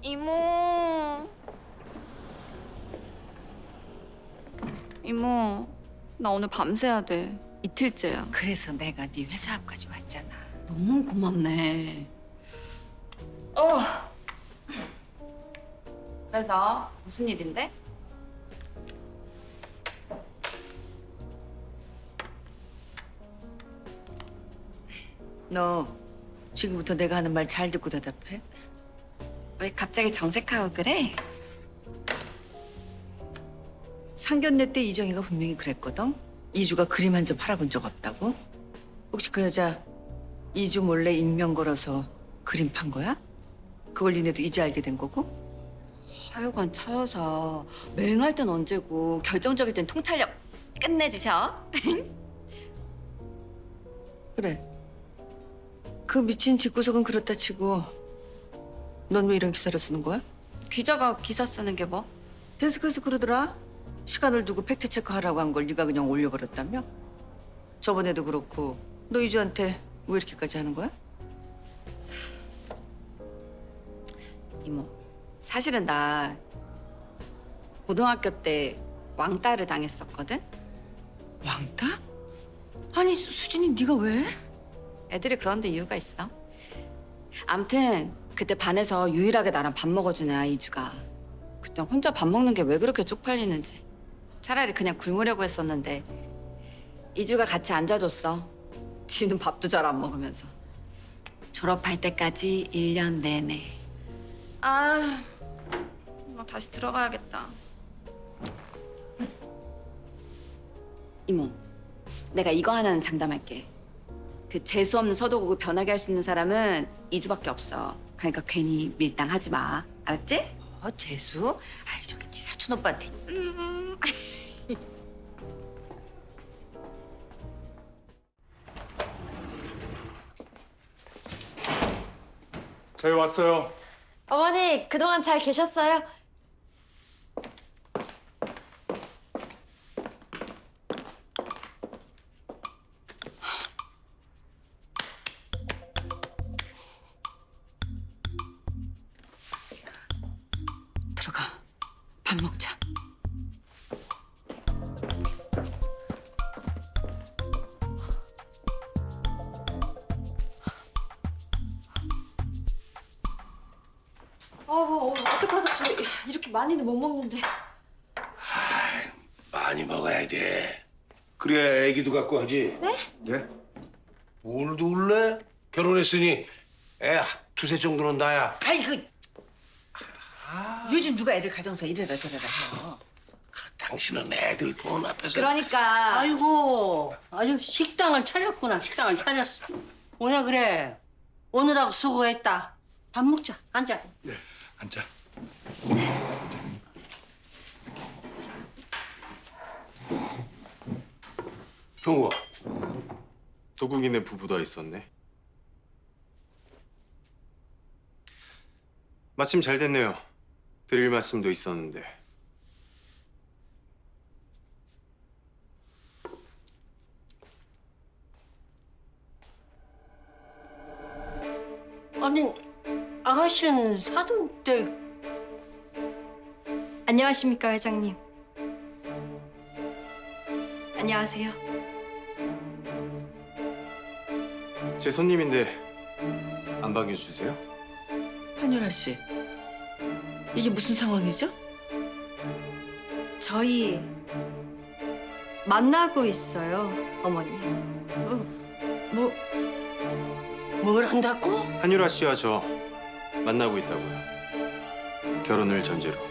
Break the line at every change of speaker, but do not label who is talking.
이모. 이모, 나 오늘 밤새야 돼. 이틀째야.
그래서 내가 네 회사 앞까지 왔잖아.
너무 고맙네. 그래서 무슨 일인데?
너 지금부터 내가 하는 말 잘 듣고 대답해.
왜 갑자기 정색하고 그래?
상견례 때 이정희가 분명히 그랬거든. 이주가 그림 한 점 팔아본 적 없다고. 혹시 그 여자 이주 몰래 인명 걸어서 그림 판 거야? 그걸 니네도 이제 알게 된 거고?
하여간 차 여사 맹할 땐 언제고 결정적일 땐 통찰력 끝내주셔.
그래. 그 미친 집구석은 그렇다 치고 넌 왜 이런 기사를 쓰는 거야?
기자가 기사 쓰는 게 뭐?
데스크에서 그러더라. 시간을 두고 팩트 체크하라고 한 걸 네가 그냥 올려버렸다며? 저번에도 그렇고 너 이주한테 왜 이렇게까지 하는 거야?
이모, 사실은 나 고등학교 때 왕따를 당했었거든?
왕따? 아니 수진이 네가 왜?
애들이 그런데 이유가 있어. 암튼 그때 반에서 유일하게 나랑 밥 먹어주는 아이 이주가 그때 혼자 밥 먹는 게 왜 그렇게 쪽팔리는지 차라리 그냥 굶으려고 했었는데 이주가 같이 앉아줬어. 지는 밥도 잘 안 먹으면서. 졸업할 때까지 1년 내내. 아, 나 다시 들어가야겠다. 이모, 내가 이거 하나는 장담할게. 그 재수 없는 서도국을 변하게 할 수 있는 사람은 이주밖에 없어. 그러니까 괜히 밀당하지 마. 알았지?
재수? 아이 저기 지 사촌 오빠한테.
저희 왔어요.
어머니, 그동안 잘 계셨어요?
들어가. 밥 먹자.
어떡하죠? 저 이렇게 많이는 못 먹는데.
많이 먹어야 돼. 그래야 애기도 갖고 하지.
네?
네? 오늘도 울래? 결혼했으니 애 두세 정도는 나야.
아이고. 요즘 누가 애들 가정사 이래라 저래라 해요.
당신은 애들 본 앞에서
그러니까
아이고, 아주 식당을 차렸구나. 식당을 차렸어. 뭐냐 그래. 오늘하고 수고했다. 밥 먹자. 앉아.
앉자.
형우가
도국이네 부부도 있었네. 마침 잘 됐네요. 드릴 말씀도 있었는데.
아니, 아가씨는 사돈 때
안녕하십니까, 회장님. 안녕하세요.
제 손님인데 안 반겨주세요?
한유라 씨. 이게 무슨 상황이죠?
저희 만나고 있어요, 어머니.
뭘 한다고?
한유라 씨와 저 만나고 있다고요. 결혼을 전제로.